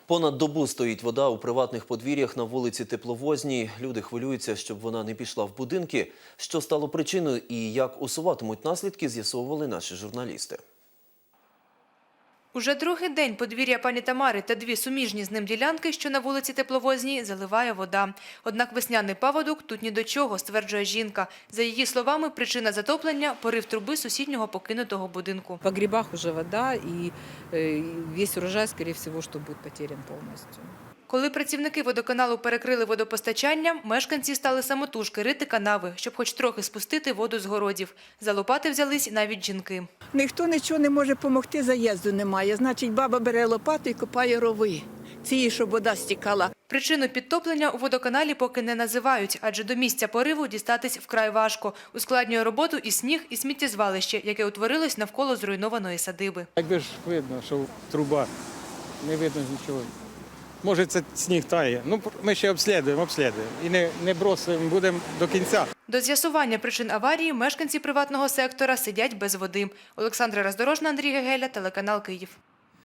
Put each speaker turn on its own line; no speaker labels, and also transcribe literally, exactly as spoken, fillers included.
Понад добу стоїть вода у приватних подвір'ях на вулиці Тепловозній. Люди хвилюються, щоб вона не пішла в будинки. Що стало причиною і як усуватимуть наслідки, з'ясовували наші журналісти.
Уже другий день подвір'я пані Тамари та дві суміжні з ним ділянки, що на вулиці Тепловозній, заливає вода. Однак весняний паводок тут ні до чого, стверджує жінка. За її словами, причина затоплення – порив труби сусіднього покинутого будинку.
В погребах уже вода, и весь урожай, скорее всего, что будет потерян полностью.
Коли працівники водоканалу перекрили водопостачання, мешканці стали самотужки рити канави, щоб хоч трохи спустити воду з городів. За лопати взялись навіть жінки.
Ніхто нічого не може допомогти, заїзду немає. Значить, баба бере лопату і копає рови. Цієї, щоб вода стікала.
Причину підтоплення у водоканалі поки не називають, адже до місця пориву дістатись вкрай важко. Ускладнює роботу і сніг, і сміттєзвалище, яке утворилось навколо зруйнованої садиби.
Якби ж видно, що труба, не видно нічого. Може, це сніг тає. Ну, ми ще обслідуємо, обслідуємо. І не, не бросимо, будемо до кінця.
До з'ясування причин аварії мешканці приватного сектора сидять без води. Олександра Роздорожна, Андрій Гегеля, телеканал Київ.